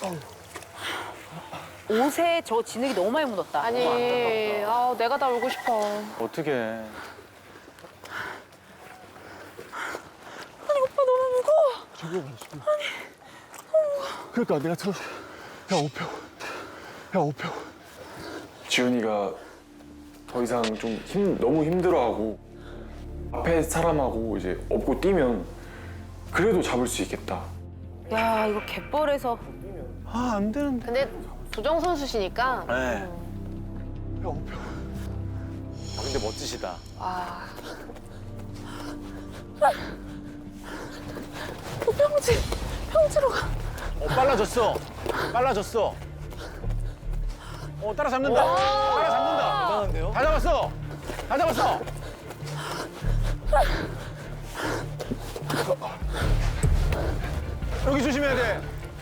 옷에 저 진흙이 너무 많이 묻었다. 아니, 내가 다 울고 싶어. 어떻게? 아니 오빠 너무 무거워. 저기 봐, 저기. 아니, 너무 무거워. 그러니까 내가 들었어. 야, 오표. 야, 오표. 지훈이가 더 이상 좀 너무 힘들어하고 앞에 사람하고 이제 업고 뛰면 그래도 잡을 수 있겠다. 야 이거 갯벌에서 아, 안 되는데. 근데 부정 선수시니까. 네. 야, 오표. 아, 근데 멋지시다. 평지로 가. 빨라졌어. 빨라졌어. 따라잡는다. 따라잡는다. 대단한데요? 다 잡았어. 다 잡았어. 여기 조심해야 돼.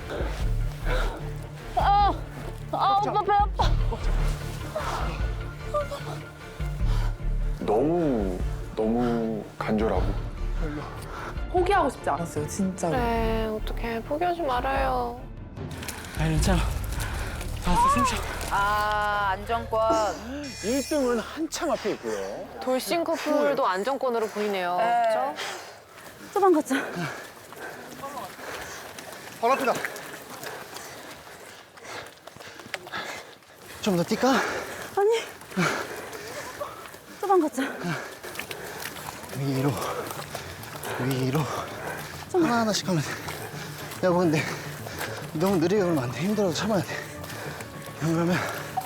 오빠 배 아파. 너무 간절하고 포기하고 싶지 않았어요, 진짜로. 그래, 어떡해. 포기하지 말아요. 아, 괜찮아. 알았어, 숨 쉬어. 안정권. 1등은 한참 앞에 있고요. 돌싱 커플도 안정권으로 보이네요. 그렇죠? 도망가자. 발 아프다. 좀 더 뛸까? 아니. 도망가자. 위로. 위로. 하나하나씩 하면 돼. 여보, 근데 너무 느리게 그러면 안 돼. 힘들어도 참아야 돼. 그러면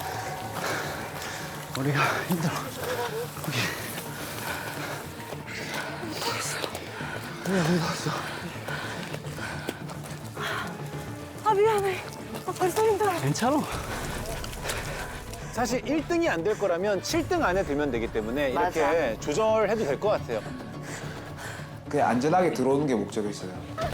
우리가 힘들어. 거기. 우리 어디 갔어? 미안해. 벌써 힘들어. 괜찮아. 사실 1등이 안 될 거라면 7등 안에 들면 되기 때문에 이렇게 조절해도 될 것 같아요. 그냥 안전하게 들어오는 게 목적이었어요.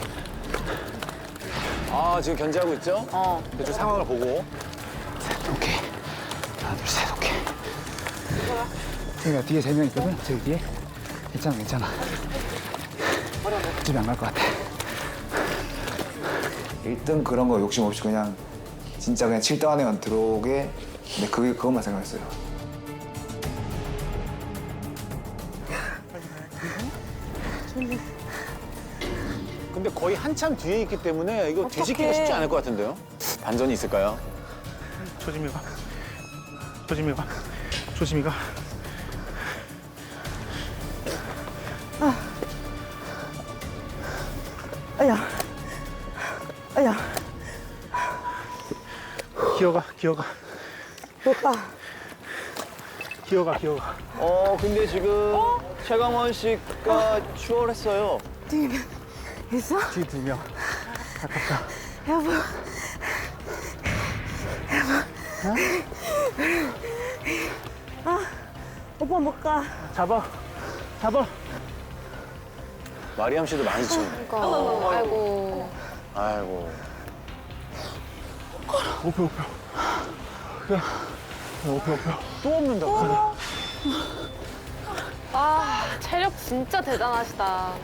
지금 견제하고 있죠? 대충 상황을 보고. 오케이. 하나, 둘, 셋, 오케이. 저기가 뒤에 3명 있거든? 저기 뒤에. 괜찮아, 괜찮아. 집에 안 갈 것 같아. 1등 그런 거 욕심 없이 그냥 진짜 그냥 7등 안에만 들어오게 근데 그것만 생각했어요. 근데 거의 한참 뒤에 있기 때문에 이거 뒤집기가 쉽지 않을 것 같은데요? 반전이 있을까요? 조심히 가. 조심히 가. 조심히 가. 아야. 기어가, 기어가. 오빠. 기어가, 기어가. 근데 지금 최강원 씨가 추월했어요. 있어? 뒤에 2명. 아깝다. 여보. 오빠 못 가. 잡아. 잡아. 마리암 씨도 많이 치네. 아이고. 아이고. 오표, 오표. 그래. 오표, 오표. 또 없는다. 체력 진짜 대단하시다.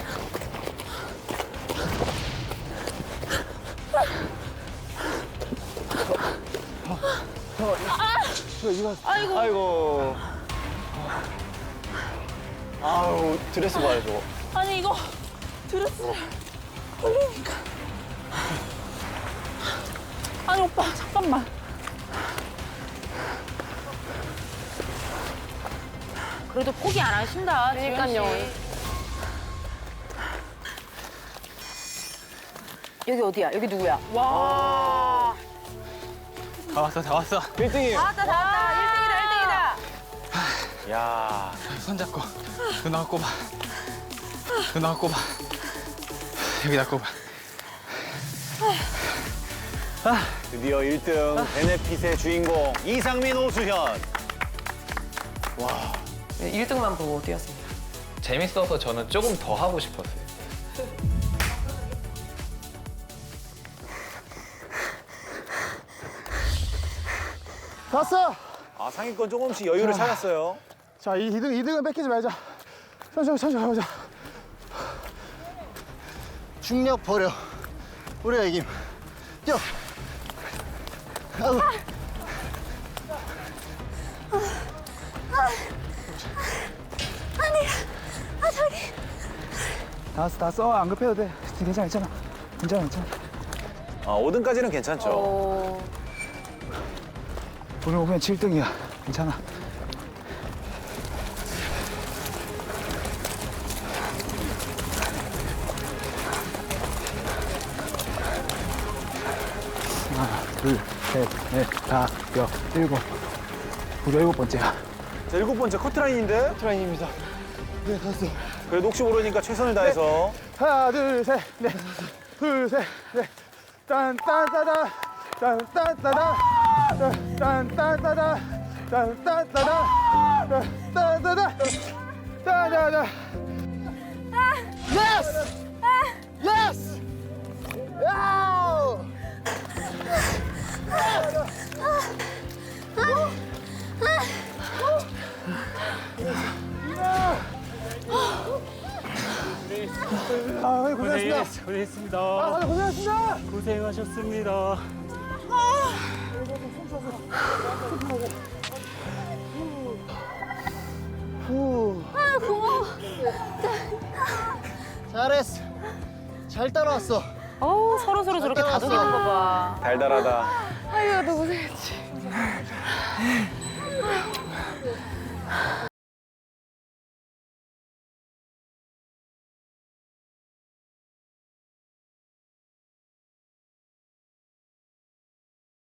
아이고. 아우, 드레스 봐요, 저거. 아니 이거 드레스를 걸리니까. 아니 오빠 잠깐만. 그래도 포기 안 하신다. 그러니까요. 지훈 씨. 여기 어디야? 여기 누구야? 와. 다 왔어, 다 왔어. 1등이에요. 다 왔다, 다 왔다. 1등이다, 야, 손잡고. 누나가 꼽아. 누나가 꼽아. 여기다 꼽아. 드디어 1등 베네핏의 주인공 이상민 오수현. 1등만 보고 뛰었습니다. 재밌어서 저는 조금 더 하고 싶었어요. 왔어! 상위권 조금씩 여유를 찾았어요. 자, 2등은 뺏기지 말자. 천천히 가보자. 중력 버려. 우리가 이김. 뛰어. 아이고. 다 왔어. 안 급해도 돼. 괜찮아. 괜찮아. 아, 5등까지는 괜찮죠. 어, 오늘 오면 7등이야. 괜찮아. 하나, 둘, 셋, 넷, 다섯, 일곱. 우리 7번째야. 자, 7번째 커트라인인데? 트라인입니다. 네, 갔어. 그래도 혹시 모르니까 최선을 다해서. 하나, 둘, 셋, 넷. 둘, 셋, 넷. 딴딴따다. 딴딴따다. 딴딴따다. 딴딴따다. 딴딴따다. 따다다. 예스! 예스! 야우! 아, 고생하셨습니다. 고생했습니다. 아, 고생하셨습니다. 고생하셨습니다. 잘했어. 잘 따라왔어. 어우, 서로 저렇게 다독이는 거 봐. 달달하다. 아이고, 너무 고생했지.